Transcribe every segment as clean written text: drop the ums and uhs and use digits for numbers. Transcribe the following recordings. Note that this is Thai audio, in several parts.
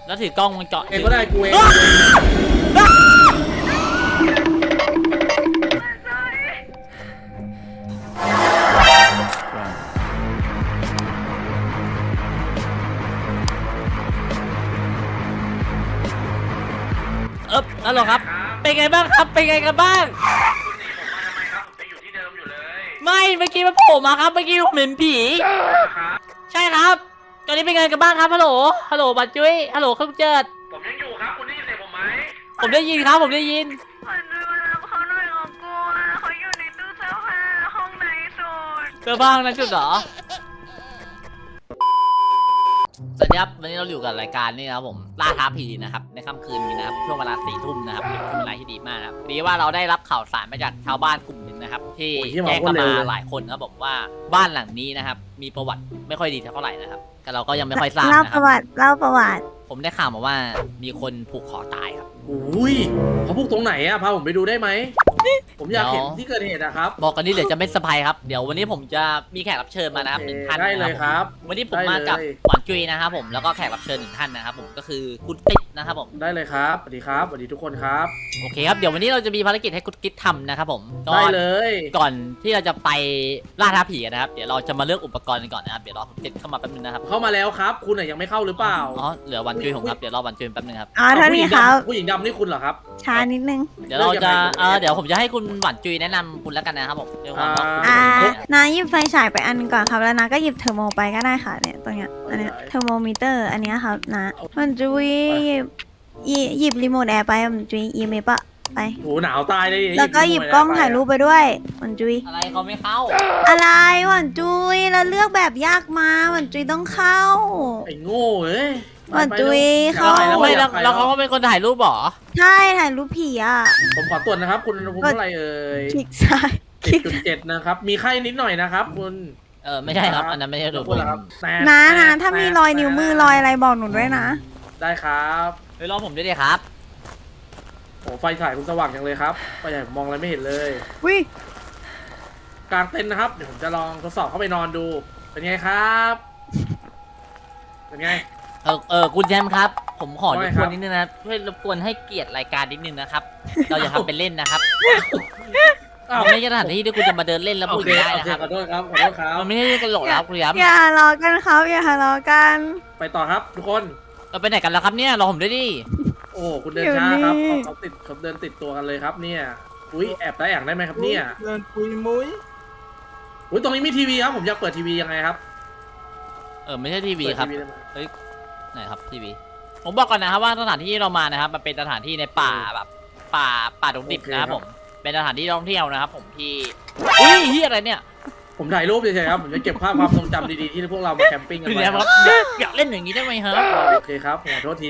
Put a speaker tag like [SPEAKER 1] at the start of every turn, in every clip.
[SPEAKER 1] แล้วถือกล้องมันเจาะ
[SPEAKER 2] เองก็ได้กูเอง
[SPEAKER 1] ฮัลโหลครับเป็นไงบ้างครับเป็นไงกันบ้าง
[SPEAKER 3] คุณหนีผมมาทำไมครับผมจะอยู่ที่เดิมอยู่เลย
[SPEAKER 1] ไม่เมื่อกี้มันโผล่มาครับเมื่อกี้ผมเห็นผี
[SPEAKER 3] ครับ
[SPEAKER 1] ใช่ครับตอนนี้เป็นไงกันบ้างครับฮัลโหลฮัลโหลบัตรจุ้ยฮัลโหลเครื่องเจิด
[SPEAKER 3] ผมยังอยู่ครับคุณได้ยินเสียงผมไหม
[SPEAKER 1] ผมได้ยินครับผมได้ยิน
[SPEAKER 4] ขอดูรับเขาหน่อยขอกลัวเขาอยู่ในตู้เสื้อผ้าห้องไหนสุด
[SPEAKER 1] เจอบ้างนะจุดเหรอสวัสดีครับวันนี้เราอยู่กับรายการนี่นะครับผมล่าท้าผีนะครับในค่ำคืนนี้นะครับช่วงเวลา4 ทุ่มนะครับเป็นเวลาที่ดีมากนะครับดีว่าเราได้รับข่าวสารมาจากชาวบ้านกลุ่มหนึ่งนะครับที่แจ้งเข้ามาหลายคนครับบอกว่าบ้านหลังนี้นะครับมีประวัติไม่ค่อยดีเท่าไหร่นะครับแต่เราก็ยังไม่ค่อยทราบ
[SPEAKER 4] เล่า
[SPEAKER 1] นะค
[SPEAKER 4] ป
[SPEAKER 1] รับ
[SPEAKER 4] ระวัติเล่าประวัติ
[SPEAKER 1] ผมได้ข่าวมาว่ามีคนผูกคอตายครับ
[SPEAKER 2] อุ้ยเขาพูดตรงไหนอะพาผมไปดูได้ไหมผมอยากเห็นที่เกิดเหตุนะครับ
[SPEAKER 1] บอกกันนี่เดี๋ยวจะไม่สบายครับเดี๋ยววันนี้ผมจะมีแขกรับเชิญมานะครับหนึ่งท่าน
[SPEAKER 2] ได้เลยครับ
[SPEAKER 1] วันนี้ผมมากับ
[SPEAKER 2] ได้เลย
[SPEAKER 1] หวานจุยนะครับผมแล้วก็แขกรับเชิญหนึ่งท่านนะครับผมก็คือคุณติ๊กนะครับผม
[SPEAKER 2] ได้เลยครับสวัสดีครับสวัสดีทุกคนครับ
[SPEAKER 1] โอเคครับเดี๋ยววันนี้เราจะมีภารกิจให้คุณกิ๊ดทำนะครับผมก็
[SPEAKER 2] ได้เลย
[SPEAKER 1] ก่อนที่เราจะไปล่าท้าผีกันนะครับเดี๋ยวเราจะมาเลือกอุปกรณ์กันก่อนนะครับเดี๋ยวรอคุณกิ๊ดเข้ามาแป๊บนึงนะครับ
[SPEAKER 2] เข้ามาแล้วครับ คุณน่ะยังไม่เข้าหรือเปล่า
[SPEAKER 1] อ๋อเหลือหวันจุยผมครับเดี๋ยวรอหวันจุยแป๊บนึงครับ
[SPEAKER 4] อ๋อเท่านี้ครับ
[SPEAKER 2] ผู้หญิงดำนี่คุณเหรอครับ
[SPEAKER 4] ช้านิดนึง
[SPEAKER 1] เดี๋ยวเราจะเดี๋ยวผมจะให้คุณหวันจุยแนะนำคุณแล้วกันนะครับผมด้วยความ
[SPEAKER 4] นาหยิบไฟฉายไปอันก่อนครับแล้วนาก็หยิบเทอร์โมไปก็ได้ค่ะเนี่ยตรงเนี้ยอันเนี้ยเทอร์โมมิเตอร์อันเนี้ยครับนะมันจุยหยิบรีโมทแอร์ไปมันจุยอีเมปะไป
[SPEAKER 2] โหหนาวตายเลย
[SPEAKER 4] แล้วก็หยิบกล้องถ่ายรูปไปด้วยมันจุย
[SPEAKER 1] อะไรเขาไม่เข้า
[SPEAKER 4] อะไรหวันจุยแล้วเลือกแบบยากมาหวันจุยต้องเข้า
[SPEAKER 2] ไอ้โง่เอ้ย
[SPEAKER 4] หวันจุยเข้า
[SPEAKER 1] ไม่แล้วเขาก็เป็นคนถ่ายรูปเหรอ
[SPEAKER 4] ใช่ถ่ายรูปผีอ่ะ
[SPEAKER 2] ผมขอตรวจนะครับ คุณอุณหภูมิเท่าไหร่เอ่ย
[SPEAKER 4] คลิกซ้ายคลิก
[SPEAKER 2] 10.7นะครับมีไข้นิดหน่อยนะครับคุณ
[SPEAKER 1] ไม่ใช่ครับอันนั้นไม่ใช่รูป
[SPEAKER 2] พูดแล้วครับแต่
[SPEAKER 4] นะถ้ามีรอยนิ้วมือรอยอะไรบอกหนูด้วยนะ
[SPEAKER 2] ได้ครับ
[SPEAKER 1] เฮ้ยรอผมด้วยดิครับ
[SPEAKER 2] โอ้ไฟฉายคุณสว่างจังเลยครับไฟฉายผมมองอะไรไม่เห็นเลย
[SPEAKER 4] วิ
[SPEAKER 2] กลางเต็นท์นะครับเดี๋ยวผมจะลองทดสอบเข้าไปนอนดูเป็นไงครับเป็นไง
[SPEAKER 1] คุณแชมป์ครับ ผมขอร
[SPEAKER 2] ว่าไง
[SPEAKER 1] บ
[SPEAKER 2] ค
[SPEAKER 1] ก
[SPEAKER 2] รั
[SPEAKER 1] ว
[SPEAKER 2] บ
[SPEAKER 1] นนิดนึงนะช่วยรบกวนให้เกียรติรายการนิดนึงนะครับ เราอย่าทำเป็นเล่นนะครับ
[SPEAKER 2] อ้าว
[SPEAKER 1] มันไม่ใช่สถานที่ที่คุณจะมาเดินเล่นแล้ว
[SPEAKER 2] โอ
[SPEAKER 1] พูด
[SPEAKER 2] เค
[SPEAKER 1] ได้
[SPEAKER 2] โอ
[SPEAKER 1] นะ
[SPEAKER 2] เค
[SPEAKER 1] ครับ
[SPEAKER 2] ขอโทษครับขอโทษครับ
[SPEAKER 1] มันไม่ใช่ตลกแล้วคุณแชมป์
[SPEAKER 4] อย่าทะเลาะกันครับอย่าทะเลาะกัน
[SPEAKER 2] ไปต่อครับทุกคน
[SPEAKER 1] เราไปไหนกันแล้วครับเนี่ยรอผมด้วยดิ
[SPEAKER 2] โอ้คุณเดินช้าครับเขาเดินติดตัวกันเลยครับเนี่ยอุ้ยแอบได้อย่างได้ไหมครับเนี่ย
[SPEAKER 5] เดินปุยมุ้ย
[SPEAKER 2] อุ้ยตรงนี้มีทีวีครับผมอยากเปิดทีวียังไงครับ
[SPEAKER 1] ไม่ใช่ทีวี
[SPEAKER 2] เปิด
[SPEAKER 1] ครับ
[SPEAKER 2] ทีได้ไหม
[SPEAKER 1] ไหนครับทีวีผมบอกก่อนนะครับว่าสถานที่เรามานะครับมันเป็นสถานที่ในป่าแบบป่าดงดิบนะครับผมเป็นสถานที่ท่องเที่ยวนะครับผมที่อุ้ยเฮียอะไรเนี่ย
[SPEAKER 2] ผมถ่ายรูปเฉยๆครับผมจะเก็บภาพความทรงจำดีๆที่พวกเรามาแคมปิ้งกัน
[SPEAKER 1] คุณ
[SPEAKER 2] ไว้
[SPEAKER 1] แชมป์
[SPEAKER 2] ค
[SPEAKER 1] ค
[SPEAKER 2] รั
[SPEAKER 1] รั
[SPEAKER 2] บบ
[SPEAKER 1] อยากเล่นอย่างนี้ได้ไหมครับ
[SPEAKER 2] โอเคครับขอโทษที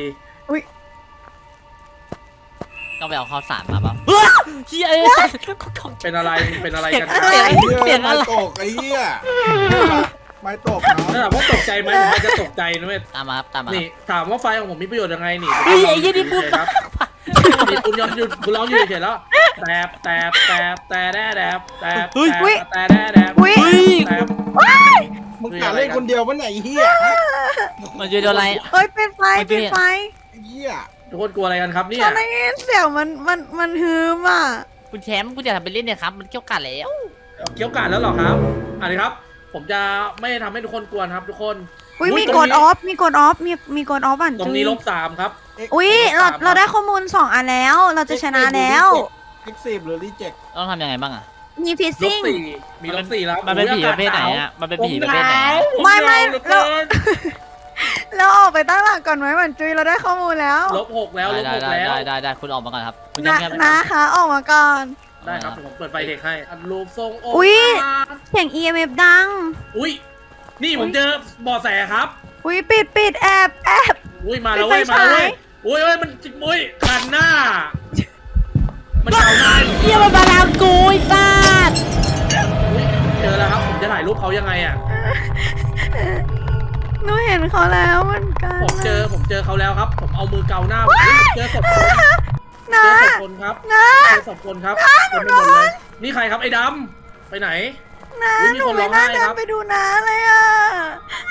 [SPEAKER 1] ต้องไปเอาข้าวสารมาป่ะเฮีย
[SPEAKER 2] เป็นอะไรเป็นอะไรกัน
[SPEAKER 1] เสียงอะไร
[SPEAKER 5] ไม้ตกไอ้เหี้ยไม้ตกเนาะ
[SPEAKER 2] ถ้าถามว่าตกใจไหมผมอาจจะตกใจนะเว้ย
[SPEAKER 1] ตามมาครับตามมา
[SPEAKER 2] นี่ถามว่าไฟของผมมีประโยชน์ยังไงนี่
[SPEAKER 1] เฮ้ยไอ้ยี่นี่พูด
[SPEAKER 2] ครับนี่คุณยอมหยุดคุณร้องอยู่เฉยๆแล้วแตบแต่แดดแดบแต่แดดแดบ
[SPEAKER 4] วิ
[SPEAKER 2] แตบ
[SPEAKER 5] มึงหาเล่นคนเดียวปะไหนยไอ้เหี้ย
[SPEAKER 1] มันจะโดนอะไร
[SPEAKER 4] เอ้ยเป็นไฟเป็นไฟ
[SPEAKER 5] ไอ้เหี้ย
[SPEAKER 2] ทุกคนกลัวอะไรกันครับเนี่ย
[SPEAKER 4] ฉันได้ยินเสียงมันฮืมอ่ะ
[SPEAKER 1] คุณแชมป์คุณจะทำเป็นเล่นเนี่ยครับมันเกี่ยวกันแล้ว
[SPEAKER 2] เกี่ยวกาดแล้วเหรอครับอันนี้ครับ ผมจะไม่ทำให้ทุกคนกลัวนะครับทุกคน
[SPEAKER 4] อุ้ยมีกดออฟมีกดออฟมีกดออฟอ่ะ
[SPEAKER 2] ตรงนี้-3ครับ
[SPEAKER 4] อุ้ยเราได้ข้อมูล2อันแล้ว เราจะชนะแล้ว
[SPEAKER 5] เอ็กซีฟหรือรีเจ็ค
[SPEAKER 1] ต้องทำยังไงบ้างอ่ะ
[SPEAKER 4] มีฟิซซิ่ง
[SPEAKER 2] -4มี-4แล้ว
[SPEAKER 1] มันเป็นผีประเภทไหนอ่ะมันเป็นผีประเภทไหน
[SPEAKER 4] ไม่
[SPEAKER 2] เรา
[SPEAKER 4] เราออกไปตั้งหลักก่อนไหมเหมือนจุยเราได้ข้อมูลแล้ว
[SPEAKER 2] -6แล้ว
[SPEAKER 1] ได้
[SPEAKER 2] -6แล้ว
[SPEAKER 1] ได้คุณออกมาก่อนครับคุณ
[SPEAKER 4] นะ
[SPEAKER 1] แชมป์
[SPEAKER 4] นะคะออกมาก่อน
[SPEAKER 2] ได้ครับผมเปิดไฟเด็กให้อันรูปทรง
[SPEAKER 4] อุ๊ย เสียง EMF ดัง
[SPEAKER 2] อุ้ยนี่ผมเจอเบาะแสครับ
[SPEAKER 4] อุ้ยปิดแอบ
[SPEAKER 2] อุ้ยมาแล้วเว้ย
[SPEAKER 4] ปิดไฟ
[SPEAKER 2] มาแล้วเว้
[SPEAKER 4] ฉาย ย
[SPEAKER 2] อุ้ยมันจิกมุ้ยคันหน้า มันเก่าหน้า
[SPEAKER 1] เฮียมันมาทำกูไอ้สัส
[SPEAKER 2] อุ๊ยเจอแล้วครับผมจะถ่ายรูปเขายังไงอ่ะ
[SPEAKER 4] หนูเห็นเขาแล้วเหมือนกัน
[SPEAKER 2] ผมเจอเขาแล้วครับ ผมเอามือเกาหน้าผมเจอศพคนเจ
[SPEAKER 4] นะ
[SPEAKER 2] อศพคนครับ
[SPEAKER 4] นะ
[SPEAKER 2] เจอศพคนครับเต็มไปหมดเลยนี่ใครครับไอ้ดำไปไหน
[SPEAKER 4] นะ
[SPEAKER 2] อุ๊ยมี
[SPEAKER 4] หนู
[SPEAKER 2] คนร้
[SPEAKER 4] ไม่
[SPEAKER 2] อง
[SPEAKER 4] น่า
[SPEAKER 2] ไห้
[SPEAKER 4] เดิ
[SPEAKER 2] คน รับ
[SPEAKER 4] ไปดูนะเลยอ่ะ
[SPEAKER 2] ใ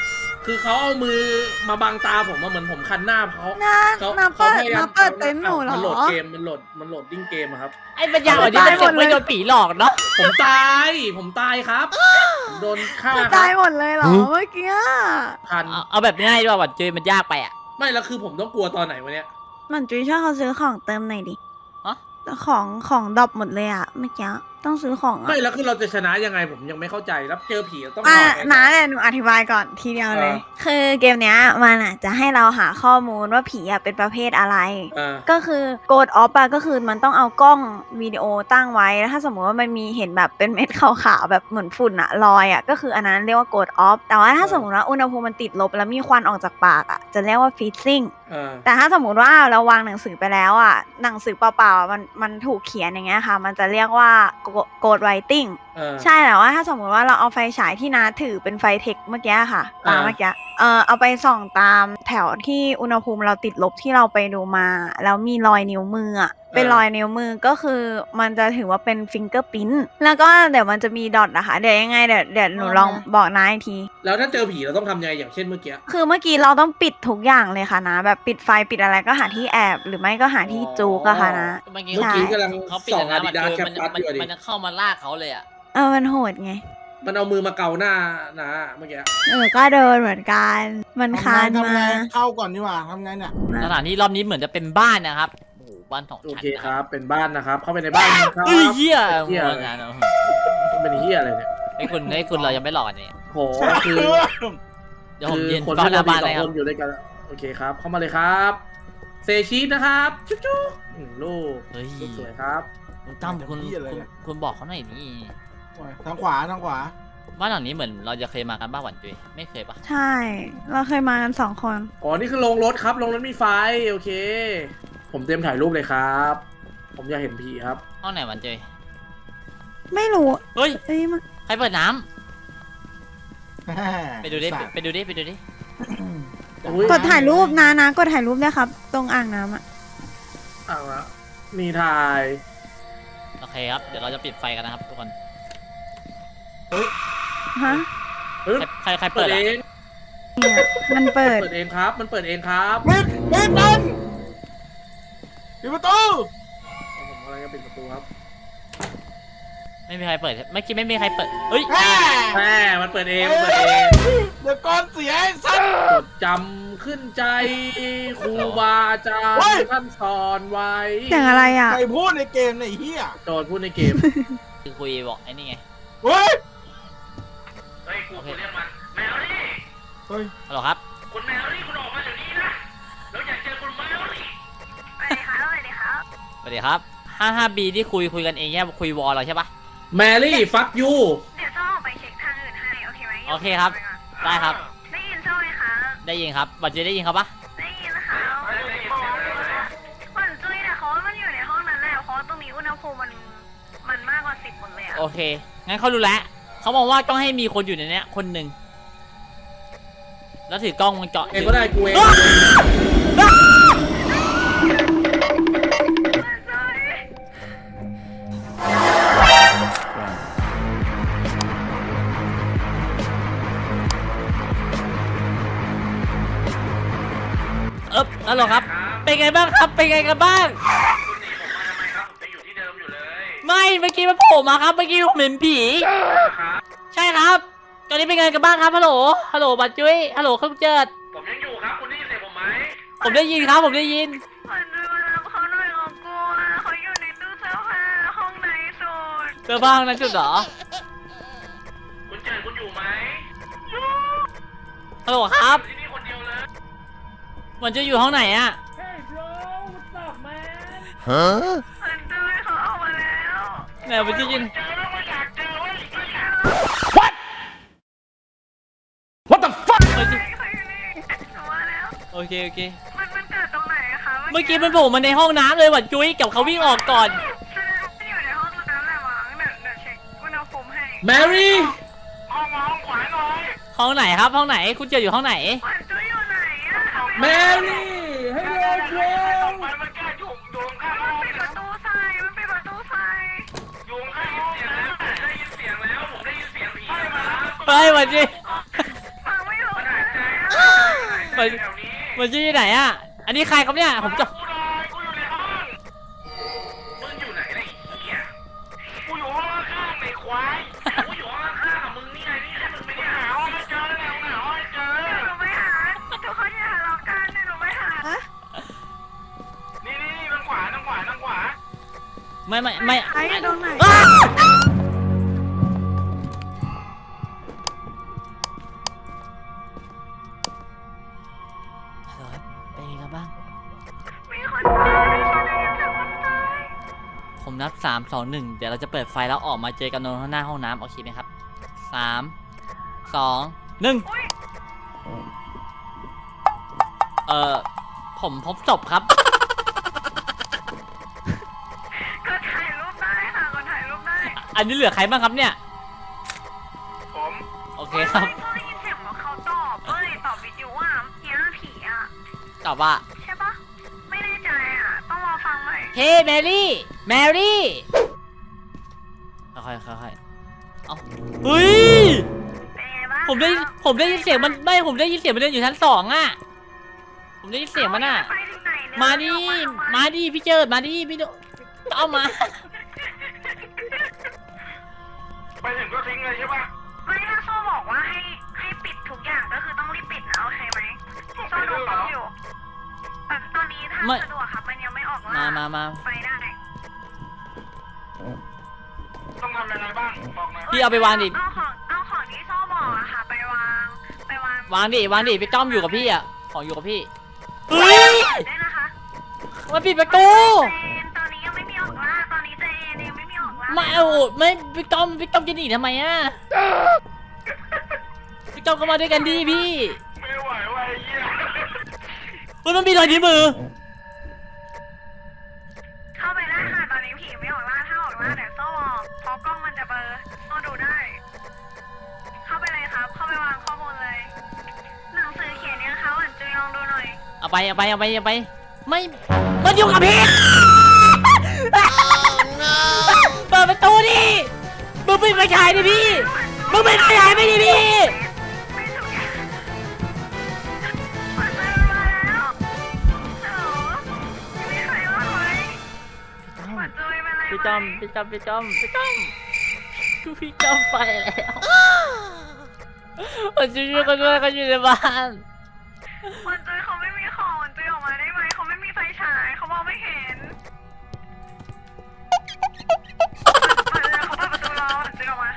[SPEAKER 2] คือเขาเอามือมาบังตาผมมาเหมือนผมคันหน้าเขา
[SPEAKER 4] น้า
[SPEAKER 2] เขา
[SPEAKER 4] น้า
[SPEAKER 2] เขา
[SPEAKER 4] เปิด
[SPEAKER 2] พยายาม
[SPEAKER 4] น้าเปิดเต็นท์หนูเหรอ
[SPEAKER 2] มันโหลดเกมมันโหลดดิ้งเกมอะครับ
[SPEAKER 1] ไอ้ปัญญาอ่อนนี่มันเจ็บไม่โดนผีหลอกเนาะ
[SPEAKER 2] ผมตายครับผมโดนฆ่า
[SPEAKER 4] คือ
[SPEAKER 2] ค
[SPEAKER 4] ตา
[SPEAKER 2] รั
[SPEAKER 4] ย
[SPEAKER 2] บ
[SPEAKER 4] หมดเลยเหรอเมื่อกี้
[SPEAKER 2] พัน
[SPEAKER 1] เอาแบบง่ายด้วยวันเจอมันยากไปอ่ะ
[SPEAKER 2] ไม่แล้วคือผมต้องกลัวตอนไหนวะเนี่ย
[SPEAKER 4] มันจุ้ยช่วยเขาซื้อของเติมหน่อยดิ
[SPEAKER 1] ฮะ
[SPEAKER 4] ของดรอปหมดเลยอะเมื่อกี้ต้องซื้อของอะ
[SPEAKER 2] ไม่แล้วคือเราจะชนะยังไงผมยังไม่เข้าใจแล้วเจอผีเราต้อง
[SPEAKER 4] อ่ะ
[SPEAKER 2] ทำไง
[SPEAKER 4] น้าเนี่ยหนูอธิบายก่อนทีเดียวเลย
[SPEAKER 2] เออ
[SPEAKER 4] คือเกมเนี้ยมันอะจะให้เราหาข้อมูลว่าผีอะเป็นประเภทอะไร
[SPEAKER 2] อ่า
[SPEAKER 4] ก็คือโกดออฟอะก็คือมันต้องเอากล้องวิดีโอตั้งไว้แล้วถ้าสมมติว่ามันมีเห็นแบบเป็นเม็ดขาวๆแบบเหมือนฝุ่นอะลอยอะก็คืออันนั้นเรียกว่าโกดออฟแต่ว่าถ้าสมมติว่าอุณหภูมิมันติดลบแล้วมีควันออกจากปากอะจะเรียกว่าฟีซซิ่ง
[SPEAKER 2] อ่า
[SPEAKER 4] แต่ถ้าสมมุติว่าเราวางหนังสือไปแล้วอ่ะหนังสือเปล่าๆอะมันถูกเขียนอย่างเงี้ยค่ะ มันจะเรียกว่าโกดไรติ้ง
[SPEAKER 2] อ่า
[SPEAKER 4] ใช่แต่ว่าถ้าสมมุติว่าเราเอาไฟฉายที่น้าถือเป็นไฟเทคเมื่อกี้ค่ะตาม
[SPEAKER 2] อ่า
[SPEAKER 4] เมื่อกี้เอาไปส่องตามแถวที่อุณหภูมิเราติดลบที่เราไปดูมา แล้วมีรอยนิ้วมืออ่ะเป็นรอยนิ้วมือก็คือมันจะถือว่าเป็นฟิงเกอร์พิ้นแล้วก็เดี๋ยวมันจะมีดอทนะคะเดี๋ยวยังไงเดี๋ยวหนูลองบอกน้าอีกที
[SPEAKER 2] แล้วถ้าเจอผีเราต้องทำยังไงอย่างเช่นเมื่อกี้
[SPEAKER 4] คือเมื่อกี้เราต้องปิดทุกอย่างเลยค่ะนะ แบบปิดไฟปิดอะไรก็หาที่แอบ หรือไม่ก็หาที่จูกอะค่ะนะ
[SPEAKER 1] เมื่อกี้
[SPEAKER 2] เมื่อกี้กำลัง
[SPEAKER 1] เขาปิด
[SPEAKER 2] ส่อง
[SPEAKER 1] แล้ว
[SPEAKER 2] อาดิ
[SPEAKER 1] นะ
[SPEAKER 2] ดาสแคป
[SPEAKER 1] มัน
[SPEAKER 2] ปัสอยู่ดิ
[SPEAKER 1] มันจะเข้ามาลากเขาเลยอ่ะ
[SPEAKER 4] มันโหดไง
[SPEAKER 2] มันเอามือมาเกาหน้านะเมื่อกี้
[SPEAKER 4] ก็เดินเหมือนกัน มันคาน
[SPEAKER 5] ทำ
[SPEAKER 4] มา
[SPEAKER 5] ไงเข้าก่อนดีกว่าทำไงเนี่ย
[SPEAKER 1] สถานที่รอบนี้เหมือนจะเป็นบ้านนะครับโอ้โหบ้านสอง
[SPEAKER 2] โอ
[SPEAKER 1] ชั้น
[SPEAKER 2] เค
[SPEAKER 1] นะ
[SPEAKER 2] ค
[SPEAKER 1] ค
[SPEAKER 2] รั
[SPEAKER 1] รับบ
[SPEAKER 2] เป็นบ้านนะครับ เข้าไปในบ้านครับ
[SPEAKER 1] เฮ้ยเหี้ย
[SPEAKER 2] เหี้ย
[SPEAKER 1] โอ้โหนะ
[SPEAKER 2] เป็นเฮียอะไรเนี่ย
[SPEAKER 1] ไอ้คุณเรายังไม่หลอกกันนี่
[SPEAKER 2] โหคือ
[SPEAKER 1] เดี๋ยวผม
[SPEAKER 2] คือ
[SPEAKER 1] ยืน
[SPEAKER 2] คน
[SPEAKER 1] เฝ้า
[SPEAKER 2] ที่
[SPEAKER 1] หน้า
[SPEAKER 2] เรา
[SPEAKER 1] บ้าน
[SPEAKER 2] ส
[SPEAKER 1] เล
[SPEAKER 2] อง
[SPEAKER 1] ยค
[SPEAKER 2] ครับ นอยู่ด้วยกันโอเคครับ เข้ามาเลยครับเซชีสนะครับจุ๊บจุ๊บลูก
[SPEAKER 1] เฮ้ย
[SPEAKER 2] ลูกสวยครับ
[SPEAKER 1] คุณตั้มคุณบอกเขาหน่อยนี่
[SPEAKER 5] ทางขวาทางขวา
[SPEAKER 1] บ้านหลังนี้เหมือนเราจะเคยมากันบ้านหวันจุ้ยไม่เคยปะ
[SPEAKER 4] ใช่ เราเคยมากัน2 คน
[SPEAKER 2] อ๋อนี่คือโรงรถครับโรงรถมีไฟโอเค ผมเตรียมถ่ายรูปเลยครับ ผมอยากเห็นผีครับ
[SPEAKER 1] ห้องไหนหวันจุ้ย
[SPEAKER 4] ไม่รู้
[SPEAKER 1] เฮ้ย
[SPEAKER 4] เอ้ยมัน
[SPEAKER 1] ใครเปิดน้ำไปดูดิไปดูดิไปดูดิ
[SPEAKER 2] อุ๊ย
[SPEAKER 4] กดถ่ายรูปนะกดถ่ายรูปด้วยครับ ตรงอ่างน้ำอะ
[SPEAKER 2] อ่ะละมีถ่าย
[SPEAKER 1] โอเคครับเดี๋ยวเราจะปิดไฟกันนะครับทุกคน
[SPEAKER 4] ฮะ
[SPEAKER 2] เฮ้ย
[SPEAKER 1] ใคร
[SPEAKER 2] เปิ
[SPEAKER 1] เปิ
[SPEAKER 2] ด
[SPEAKER 1] ด
[SPEAKER 2] เอ
[SPEAKER 1] อ่ะ
[SPEAKER 2] ง
[SPEAKER 4] เนี่ยมันเปิด
[SPEAKER 2] เปิดเองครับ มันเปิดเองครับ
[SPEAKER 5] ปิดมันปิดประตู
[SPEAKER 2] ผมกำลังจะปิดประตูครับ
[SPEAKER 1] ไม่มีใครเปิดเมื่อกี้ไม่มีใครเปิดเฮ้ย
[SPEAKER 5] แม่
[SPEAKER 2] แม่มันเปิดเองมันเปิดเอง
[SPEAKER 5] เดี๋ยวก่อนเสียไอ้สัตว์
[SPEAKER 2] จดจำขึ้นใจครูบาอาจาร
[SPEAKER 5] เฮ้ย
[SPEAKER 2] ย์ท่านสอนไว้
[SPEAKER 4] เสียงอะไรอ่ะ
[SPEAKER 5] ใครพูดในเกมเนี่ยไอ้เฮีย
[SPEAKER 2] โจทย์พูดในเกม
[SPEAKER 1] คือคุยบอกไอ้นี่ไง
[SPEAKER 5] เฮ้ย
[SPEAKER 3] เฮ้ยกูเรียกมันแมวนี่
[SPEAKER 5] เฮ้ย
[SPEAKER 1] ฮัลโหลครับ
[SPEAKER 3] คุณแมวนี่คุณออกมาเดี๋ยวนี้นะเราอยากเจอคุณแมวนี่
[SPEAKER 1] สวัสดีครับ 55B ที่คุยกันเองแค่คุยวอลเราใช่ปะ
[SPEAKER 2] แมรี่ฟักยู
[SPEAKER 6] เดี๋ยวโซ่ออกไปเช็คทางอื่นให้ โอเคไหม
[SPEAKER 1] โอเคครับ ได้ครับ
[SPEAKER 6] ได้ยินโซ่ไหมคะ
[SPEAKER 1] ได้ยินครับบัตรเจได้ยินครับปะ
[SPEAKER 6] ได้ยินนะคะหวันจุ้ยเนี่ยเขาว่ามันอยู่ในห้องนั้นแหละเพราะว่าตรงนี้อุณหภูมิมันมากกว่า10หมดเลยอะ
[SPEAKER 1] โอเคงั้นเขารู้แล้วเขาบอกว่าต้องให้มีคนอยู่ในเนี้ยคนหนึ่งแล้วถือกล้องวงจร
[SPEAKER 2] เองก็ได้กูเอง
[SPEAKER 1] ฮัลโหลครับ เป็นไงบ้างครับ เป็นไงกันบ้าง
[SPEAKER 3] คุณหนีผมมาทำไมครับผมยังอยู่ที่เดิมอยู่เลย
[SPEAKER 1] ไม่เมื่อกี้มันโผล่มาครับ เมื่อกี้ผมเห็นผี
[SPEAKER 3] ครับ
[SPEAKER 1] ใช่ครับ ตอนนี้เป็นไงกันบ้างครับ ฮัลโหล ฮัลโหลบัตรจุ้ยฮัลโหลครับเจิด
[SPEAKER 3] ผมยังอยู่ครับคุณได้ยินเสียงผมไหม
[SPEAKER 1] ผมได้ยินครับ ผมได้ยิน
[SPEAKER 6] หวันจุ้ยมารับเขาหน่อยเขากลัวเขาอยู่ในตู้เสื้อผ้าห้องไหนสุด
[SPEAKER 1] เจอบ้างนะจุดเหรอ
[SPEAKER 3] คุณเจอคุณอยู่ไหม
[SPEAKER 1] ฮัลโหลครับ
[SPEAKER 3] ที่นี่คนเดียวเลย
[SPEAKER 1] มันจะอยู่ห้องไหนอะ
[SPEAKER 5] ฮะ
[SPEAKER 6] หวันจุ้ยเขาออกมาแล้ว
[SPEAKER 1] ไหนมันจะยิน
[SPEAKER 3] เจอแล้วไม่อยากเจอเว้ยไม่อยาก
[SPEAKER 1] What the fuck
[SPEAKER 6] เขาอยู่นี่หนูมาแล้ว
[SPEAKER 1] โอเคโอเค
[SPEAKER 6] มันเกิดตรงไหนอะคะ
[SPEAKER 1] เมื่อกี้มันโผล่มาในห้องน้ำเลยบัตรจุ้ยกับเขาวิ่งออกก่อน
[SPEAKER 6] อยู่ในห้องน้ำแหละมั้งเดี๋ยวเช็คอุณหภูมิให้
[SPEAKER 2] แมรี่
[SPEAKER 3] ห้องมาห้องขวาหน่อย
[SPEAKER 1] ห้องไหนครับห้องไหนคุณเจออยู่ห้องไหน
[SPEAKER 6] หวันจุ้ยอยู่ไหนอะ
[SPEAKER 2] แมรี่ให้เร็วเร็ว
[SPEAKER 3] มันมันแก้อยู่ข้างห้
[SPEAKER 6] มัน
[SPEAKER 3] อง
[SPEAKER 6] ปิดประตูใส่มันปิดประตูใส่
[SPEAKER 3] อยู่ข้างห้องได้ยินเสียงแล้วผมได้ยินเสียงผีมาแล้ว
[SPEAKER 1] ไปบัตรจุ้ย
[SPEAKER 6] ฟังไม่รู้เลยอะ
[SPEAKER 3] อยู่แถวนี้
[SPEAKER 1] มันชื่อที่ไหนอ่ะอันนี้ใครครับเนี่ยผมจะ
[SPEAKER 3] กูหน่อยกูอยู่ในห้องมึงอยู่ไหนเนี่ยไอ้เหี้ยกูอยู่ห้องข้างๆในควายกูอยู่ห้องข้างๆกับมึงนี่ไงนี่แค่มึงไม่ได้หาห้องให้เจอแล้วหาห้องให้เจอ
[SPEAKER 6] หนูไม่หาทุกคนอย่าทะเลาะกันหนูไม่หา
[SPEAKER 3] นี่ทางขวา
[SPEAKER 1] ไม่
[SPEAKER 4] ใครอยู่ตรงไหน
[SPEAKER 1] อ้าวฮัลโหลครับเป็นไงกันบ้าง
[SPEAKER 6] มีคนตายคนได้ยินเสียงคนตาย
[SPEAKER 1] ผมนับ3 2 1เดี๋ยวเราจะเปิดไฟแล้วออกมาเจอกันตรงหน้าห้องน้ำโอเคไหมครับ3 2 1ผมพบศพครับ
[SPEAKER 6] ก็ถ่ายรูปได้ค่ะก็ถ่ายรูปได้
[SPEAKER 1] อันนี้เหลือใครบ้างครับเนี่ย
[SPEAKER 3] ผม
[SPEAKER 1] โอเคครับ
[SPEAKER 6] ไม่ได้ยินเสียงว่าเขาตอบตอบวิดีโอว่าเฮียผีอ่ะ
[SPEAKER 1] ตอบว่า
[SPEAKER 6] ใช่ปะไม่แน่ใจอ่ะต้องรอฟังใหม่
[SPEAKER 1] เฮ้แมรี่ค่อยเอาเฮ้ย
[SPEAKER 6] เป็นไงบ้าง
[SPEAKER 1] ผมได้ยินเสียงมันไม่ผมได้ยินเสียงมันเดินอยู่ชั้น2อ่ะผมได้ยินเสียงมันอ่ะ
[SPEAKER 6] ไปถึงไหนเนี่ย
[SPEAKER 1] มาดิ
[SPEAKER 6] ออกทำไ
[SPEAKER 1] มาดิพี่เจิดมาดิพี่โดเอามา
[SPEAKER 3] ไปถึงก็ทิ้งเลยใช่ปะ
[SPEAKER 6] ไม่ถ้าโซ่บอกว่าให้ปิดทุกอย่างก็คือต้องรีบปิดนะโอเคไหมโซ่ดูฟังอยู่แบบตอนนี้ถ้า
[SPEAKER 1] ไม่
[SPEAKER 6] สะดวกครับมันยังไม่ออกล่า
[SPEAKER 1] มา
[SPEAKER 6] ไปได้
[SPEAKER 3] ต้องทำยังไงบ้างบอกหน่อย
[SPEAKER 1] พี่เอาไปวางดิ
[SPEAKER 6] เอาของที่โซ่บอกอะค่ะไปวาง
[SPEAKER 1] วางดิพี่ต้อมอยู่กับพี่อ่ะของอยู่กับพี่เฮ้ย
[SPEAKER 6] ได้นะคะ
[SPEAKER 1] มาปิดประตู
[SPEAKER 6] เจนตอนนี้ยังไม่มีออกล่าตอนนี้เจนยังไม่มีออกล่า
[SPEAKER 1] ไม่เอาไม่พี่ต้อมจะหนีทำไมอ่ะพี่ต้อมก็มาด้วยกันดีพี่
[SPEAKER 3] ไม่ไหวว่ะไอ้เหี้ย
[SPEAKER 1] เฮ้ยมันมีรอยนิ้วมือ
[SPEAKER 6] เข้าไปได้ค่ะตอนนี้ผีไม่ออกล่าถ้าออกล่าเดี๋ยวโซ่บอกเพราะกล้องมันจะเบลอโซ่ดูได้ เข้าไปเลยครับ เข้าไปวางข้อมูลเลย หนังสือเขียนเนี่ยเขาอ่านจุยลองดูหน่อย
[SPEAKER 1] เอาไปไม่มันอยู่กับพี่เปิดประตูดิมึงปิดไฟฉายดิพี่มึงปิดไฟฉายไม่ดิพี่
[SPEAKER 6] ไม่ถูกอย่างมันเริ่มมาแล้วฮัลโหลมีใครว่าไหมหวัดจุยเป็นไรไหม
[SPEAKER 1] พี่ต้อมคือพี่ต้อมไปแล้วมันจะอยู่กันด้วยกันอยู่ในบ้าน
[SPEAKER 6] หวัดจุยเขาไม่มีของหวัดจุยออกมาได้ไหมเขาไม่มีไฟฉายเขามองไม่เห็นเขาเปิดประตูรอหวัดจุยออกมา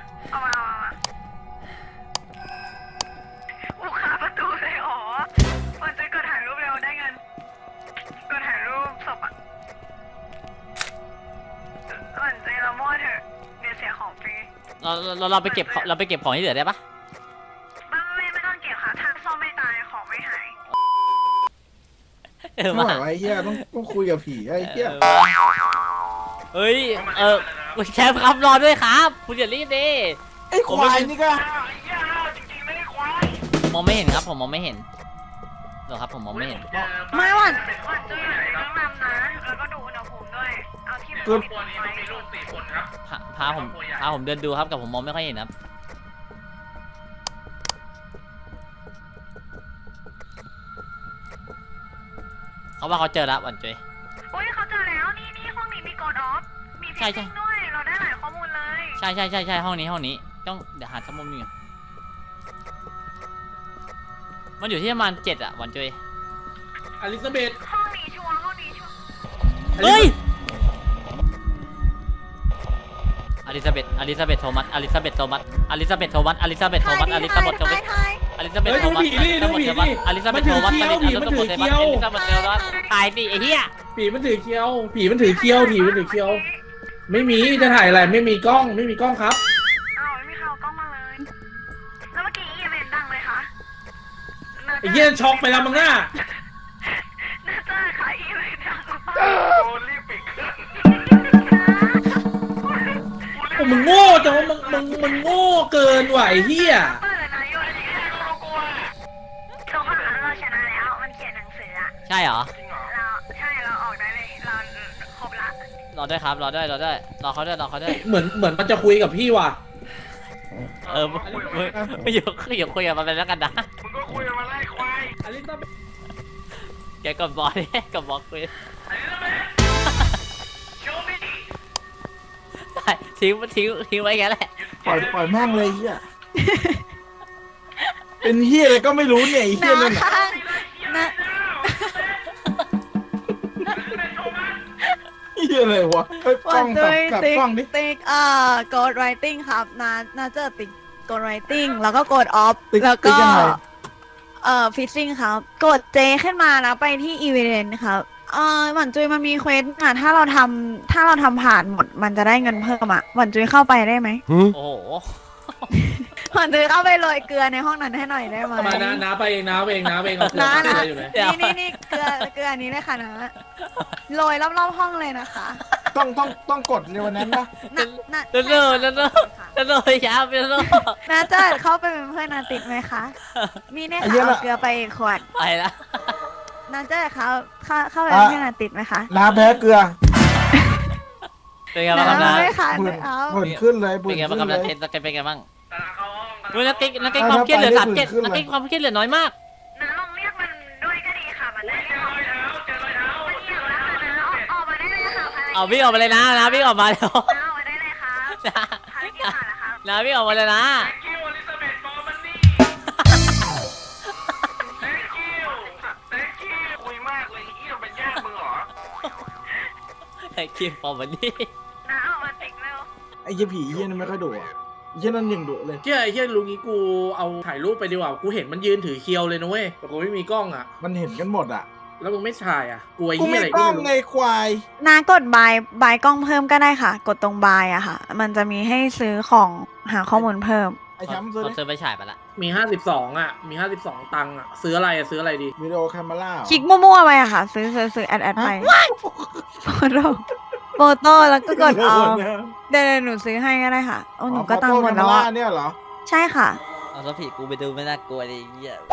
[SPEAKER 6] อุกคาประตูเลยอ๋อหวัดจุยกดถ่ายรูปเร็วได้เงินกดถ่ายรูปศพอ่ะหวัดจุยเรามั่วเถอะเดี๋ยวเสียของฟรี
[SPEAKER 1] เราไปเก็บของที่เหลือได้ปะ
[SPEAKER 6] ไม่ต้องเก็บค่ะถ้าซ่อมไม่ตายของไม่หาย
[SPEAKER 5] ไม่ไหววะไอ้เหี้ยต้องคุยกับผีไอ้เหี้ย
[SPEAKER 1] เฮ้ยแชมป์ครับรอด้วยครับคุณอย่ารีบดิ
[SPEAKER 5] ไอ้ควายนี่ก็
[SPEAKER 3] อ้าวไอ้เหี้ยอ้าวจริงๆไม่ได้ควาย
[SPEAKER 1] มองไม่เห็นครับผมมองไม่เห็นเหรอครับผมมองไม่เห็น
[SPEAKER 4] ไม่หวัด
[SPEAKER 6] หวัดจุ้ยต้องนำนะ แล้วก็ดูอุณหภูมิด้วย เอาที่มัน
[SPEAKER 3] ครอบ
[SPEAKER 6] ปิด
[SPEAKER 3] ครัวนี้
[SPEAKER 6] ไว้
[SPEAKER 3] ต้องมีลูก4 คนครับ
[SPEAKER 1] พาผมเดินดูครับแต่ผมมองไม่ค่อยเห็นครับเขาว่าเขาเจอแล้ววันเจย
[SPEAKER 6] อุ้ยเขาเจอแล้ว นี่ห้องนี้มีกดออฟ มีฟิ
[SPEAKER 1] ใช่
[SPEAKER 6] ชชิ่งด้วย เราได้หลายข้อมูลเลย
[SPEAKER 1] ใช่ห้องนี้ต้องเดี๋ยวหาสมุดนี่มันอยู่ที่ประมาณ7อะวันเจย
[SPEAKER 2] อลิซาเบธ
[SPEAKER 6] ห้องนี้ชัวร์ห้องนี้ชัวร์
[SPEAKER 1] เฮ้ยอลิซาเบธโทมัสอลิซาเบธโทมัส
[SPEAKER 4] ถ่ายดิถ่ายถ่าย
[SPEAKER 1] อลิซาเบธโทมัส
[SPEAKER 2] เฮ้ยดูผี
[SPEAKER 1] ถ่ายดิไอ้เหี้ย
[SPEAKER 2] ผีมันถือเคี้ยวไม่มีจะถ่ายอะไรไม่มีกล้องครับ
[SPEAKER 6] อ้าวไม่มีใครเอากล้องมาเลย แล้วเมื่อกี้อีเวนต์ดังเลยคะ
[SPEAKER 2] ไอ้เหี้ยช็อกไปแล้วมั้งน่า
[SPEAKER 6] น่าจะค่ะอีเวนต์ดังหรือเปล่า
[SPEAKER 3] โอ้รีบปิดเครื่อง
[SPEAKER 2] โอ้มึงโง่จังว่ามึงโง่เกินว่ะไอ้เหี้ย
[SPEAKER 6] เปิดนะโยนอย่างเงี้ย
[SPEAKER 3] เรากลัว
[SPEAKER 6] ทุกคนคะเราชนะแล้ว มันเขียนหนังสืออะ
[SPEAKER 1] ใช่เหรอ
[SPEAKER 3] จริงเหรอ
[SPEAKER 6] เราออกได้เลย เราครบละ
[SPEAKER 1] รอด้วยครับรอเขาด้วย
[SPEAKER 2] เหมือนมันจะคุยกับพี่ว่ะ
[SPEAKER 1] ไม่อยู่คุยกับมันไปแล้วกันนะ
[SPEAKER 3] มึงก็คุยกันมาไล่ควาย
[SPEAKER 2] อลิซาเบธ
[SPEAKER 1] แกกดบอลเนี่ยกดบล็อกไป
[SPEAKER 3] โชว์มิ
[SPEAKER 1] ได้ทิ้งไว้แค่แหละ
[SPEAKER 5] ปล่อยแม่งเลยเฮียเป็นเฮียอะไรก็ไม่รู้เนี่ยไอ้เฮียนั่นน่ะ
[SPEAKER 4] นะ
[SPEAKER 5] เฮียอะไรวะเฮ้ยกล้องกลับกล้องดิ
[SPEAKER 4] ติ๊กกด writing ครับนาเจอติ๊กกด writing แล้วก็กด off
[SPEAKER 5] ติ๊ก
[SPEAKER 4] แล้ว
[SPEAKER 5] ติ๊
[SPEAKER 4] ก็
[SPEAKER 5] กยังไง
[SPEAKER 4] fishing ครับ กด J ขึ้นมาแล้วไปที่ event ครับหวันจุยมันมีเควสถ้าเราทำผ่านหมดมันจะได้เงินเพิ่มหวันจุยเข้าไปได้ไหม
[SPEAKER 1] โอ้โห
[SPEAKER 4] หวันจุยเข้าไปโรยเกลือในห้องนั้นให้หน่อยได้ไหม
[SPEAKER 2] มาน้าไปเองน้าเอาเกลือ
[SPEAKER 4] นะ
[SPEAKER 2] อะไรอยู่ไหน
[SPEAKER 4] นี่เกลืออันนี้เลยค่ะนะโรยรอบๆห้องเลยนะคะ
[SPEAKER 5] ต้องกดในวันนั้นปะ
[SPEAKER 4] นะ
[SPEAKER 1] เร็วๆเร็วๆ แล้วเลยยาวไปแล้ว
[SPEAKER 4] นาเจิดเข้าไปเป็นเพื่อนนาติดไหมคะมีเนี่ยค่ะเอาเกลือไปอีกขวด
[SPEAKER 1] ไปละ
[SPEAKER 4] นาเจิดเข้าไปเป็นเพื่อนนาติดไหมคะ
[SPEAKER 5] น้าแพ้เกลือ
[SPEAKER 1] เป็นไงบ้างครับนะ
[SPEAKER 4] ไม่ค่ะ
[SPEAKER 5] ผื่น
[SPEAKER 4] เอา
[SPEAKER 5] ผื่นขึ้นเลย
[SPEAKER 1] เป็
[SPEAKER 5] ผื่
[SPEAKER 1] น
[SPEAKER 5] น
[SPEAKER 1] ไงบ้าง
[SPEAKER 5] ขึ้
[SPEAKER 1] ครับ
[SPEAKER 5] นเล
[SPEAKER 1] นะ
[SPEAKER 5] ย
[SPEAKER 1] เทนเป็นไงบ้าง
[SPEAKER 3] ตาเขาห้อง
[SPEAKER 1] เฮ้ยนักเก็ตความเครียดเหลือ37นักเก็ตความเครียดเหลือน้อยมาก
[SPEAKER 6] น้าลองเรียกมันด้วยก็ดีค่ะ มันได้
[SPEAKER 3] เจอรอยเท้าเจอรอยเท้า
[SPEAKER 6] มันเหี่ยวแล้วค่ะนะออกมาได้เลยค่ะภารกิจ
[SPEAKER 1] เอาวิ่งออกมาเลยนะวิ่งออกมาแล้ว
[SPEAKER 6] น้าออกมาได้เลยค่ะภารกิจผ่านแล้วครับ
[SPEAKER 1] นะวิ่งออกมาเลยนะ
[SPEAKER 3] thank you อลิซาเบธฟอร์มันนี่ thank you thank you คุยมากเลยเอี้ยเป็นญาติมึงเหรอ
[SPEAKER 1] ไอ้คิมฟอร์มันนี่
[SPEAKER 6] น้าออกมาติ๊กเร็ว
[SPEAKER 5] ไอ้เหี้ยผีเฮียนั่นไม่ค่อยดุอ่ะไอ้เฮียนั่นยังดุเลย
[SPEAKER 2] เฮียไอ้เฮียลุงนี้กูเอาถ่ายรูปไปดีกว่ากูเห็นมันยืนถือเคียวเลยนะเว้ยแต่กูไม่มีกล้องอ่ะ
[SPEAKER 5] มันเห็นกันหมดอ่ะ
[SPEAKER 2] แล้วมึงไม่ถ่ายอ่ะกลัวไอ้
[SPEAKER 5] กู
[SPEAKER 2] เฮีย
[SPEAKER 5] ไม่
[SPEAKER 2] อะไร
[SPEAKER 5] กล้อง
[SPEAKER 2] รู้
[SPEAKER 5] ไงควาย
[SPEAKER 4] นากดบายกล้องเพิ่มก็ได้ค่ะ กดตรงบายอะค่ะ มันจะมีให้ซื้อของหาข้อมูลเพิ่ม
[SPEAKER 5] ไอ้แชมป์ซื้อ
[SPEAKER 1] เขา
[SPEAKER 5] ดิ
[SPEAKER 1] ซื้อไปฉายไปละ
[SPEAKER 2] มี52อ่ะมี52ตังค์อ่ะซื้ออะไรดี
[SPEAKER 5] วิดีโอแคมเมรา
[SPEAKER 4] คลิกมั่วๆไปอะค่ะ ซื้อแอดไปโฟโต้แล้วก็กดเอาเดี๋ยวหนูซื้อให้ก็ได้ค่ะโอ้หนูก็ตังค์หมดแล้วอะ
[SPEAKER 5] เนี่ยเหรอ
[SPEAKER 4] ใช่ค่ะ
[SPEAKER 1] เอาแล้วผีกูไปดูไม่น่ากลัวเลยเหี้ย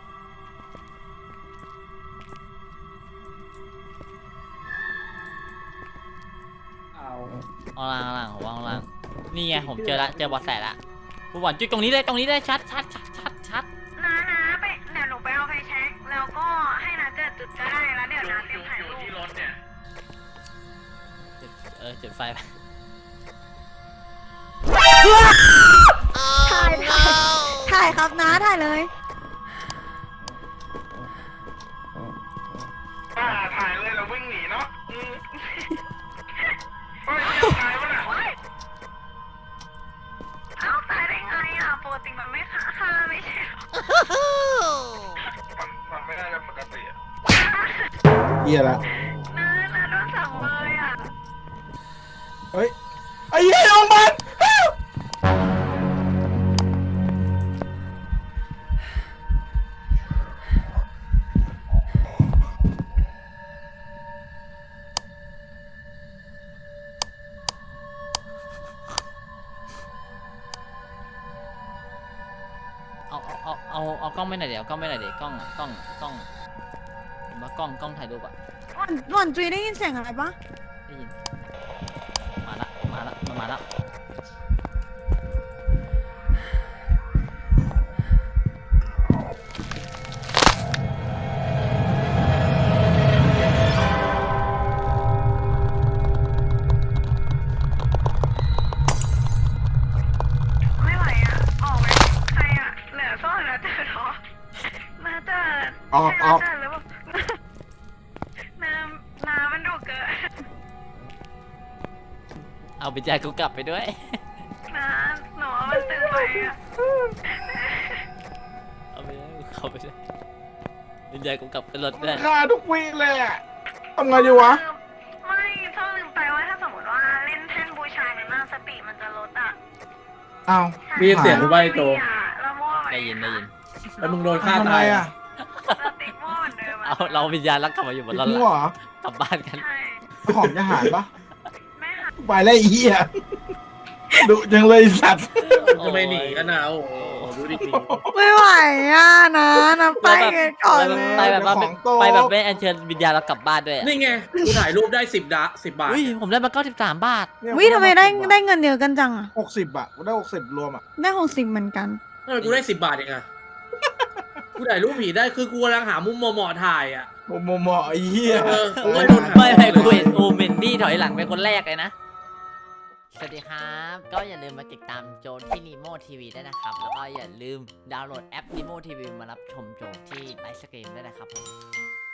[SPEAKER 2] เอา
[SPEAKER 1] เอาล่างผมว่าเอาล่างนี่ไงผมเจอเบอสแสละกูหวานจุดตรงนี้เลยชัด
[SPEAKER 6] น้าไปเดี๋ยวหนูไปเอาไฟแช็กแล้วก็ให้น้าเจิดจุดก็ได้แล้วเดี๋ยวน้าเตรียมถ่ายรูป
[SPEAKER 3] ที่รถเนี่ย
[SPEAKER 1] จุดไฟไป
[SPEAKER 4] ถ่ายครับนะถ่ายเลย
[SPEAKER 3] ถ่ายเลยแล้ววิ่งหนีเนาะเฮ้ยถ่ายวะน่ะ
[SPEAKER 6] เอ้าตายได้ไงอ่ะปกติมันไม่ฆ่าไม่ใช่เหรอ
[SPEAKER 3] มันไม่น่าจะปกติอะ
[SPEAKER 5] เฮียละ
[SPEAKER 6] น้าโดนสั่งเลยอ่ะ
[SPEAKER 5] เฮ้ยไอ้เหี้ยลงมัน
[SPEAKER 1] เอากล้องไม่หน่อยเดี๋ยวกล้องไม่หน่อยเดี๋ยวกล้องเห็นปะกล้องถ่ายรูปอะ
[SPEAKER 4] หวันจุยได้ยินเสียงอะไรปะ
[SPEAKER 1] ได้ยินมาละมันมาละ
[SPEAKER 6] ไม่ไหวอ่ะออกไหมใครอ่ะเหลือซ่อนน้าเจิดเหรอน้าเจิด
[SPEAKER 5] ออก
[SPEAKER 6] ใช่น้าเจิดหรือเปล่าน้ามันดุเกิน
[SPEAKER 1] เอาไปจ่ายกูกลับไปด้วย
[SPEAKER 6] น้าหนูว่ามันตื่นไปอ่ะ
[SPEAKER 1] เอาไปด้วยเข้าไปด้วยวิญญาณกูกลับขึ้นรถด้วย
[SPEAKER 5] ฆ่าทุกวีเลยอ่ะทำไงดีวะ
[SPEAKER 6] ไม่ชอบลืมไปว่าถ้าสมมติว่าเล่นแท่นบูชาในหน้าสติมันจะลดอ่ะ
[SPEAKER 5] อ้าว
[SPEAKER 2] มีเสียงกูใบโต
[SPEAKER 6] เรามั่วไป
[SPEAKER 1] ได้ยิน
[SPEAKER 2] แล้วมึงโดนฆ่า
[SPEAKER 5] ทำไม
[SPEAKER 2] ตาย
[SPEAKER 5] อ่ะ
[SPEAKER 6] เราติดมั่วเหมือนเดิม
[SPEAKER 1] เอาเราวิญญาณรักกลับมาอยู่บนรถ
[SPEAKER 5] มั่วเหรอก
[SPEAKER 1] ลับบ้านกัน
[SPEAKER 6] ใช่
[SPEAKER 5] ของจะหายปะ
[SPEAKER 6] ไม่ค่ะ
[SPEAKER 5] ไปแล้วไอ้เหี้ยดุจังเลยไอ้สัตว์
[SPEAKER 2] จะไม่หนีกันนะโอ้โหดูดิหนี
[SPEAKER 4] ไม่ไหวอ่ะนะไปกันก่อนเลย
[SPEAKER 1] ไปแบบว่าไปแบบไม่อัญเชิญวิญญาณเรากลับบ้านด้วยอะ
[SPEAKER 2] นี่ไงกูถ่ายรูปได้10 บาท
[SPEAKER 1] อุ้ยผมได้มา93 บาท
[SPEAKER 5] เนี่ย
[SPEAKER 4] วิทำไมได้เงินเยอะกันจังอะ
[SPEAKER 5] 60อ่ะกูได้60รวมอ่ะ
[SPEAKER 4] ได้60เหมือนกัน
[SPEAKER 2] ทำไมกูได้10 บาทเองอะกูถ่ายรูปผีได้คือกูกำลังหามุมเหมาะๆถ่ายอ่ะ
[SPEAKER 5] หมอไอ้เหี้ย
[SPEAKER 2] กูไม่โดน
[SPEAKER 1] ไม่กูเห็นโอเมนดี้ถอยหลังเป็นคนแรกเลยนะ สวัสดีครับ ก็อย่าลืมมาติดตามโจนที่ Nemo TV ด้วยนะครับ แล้วก็อย่าลืมดาวน์โหลดแอป Nemo TV มารับชมโจนที่ไลฟ์สตรีมด้วยนะครับผม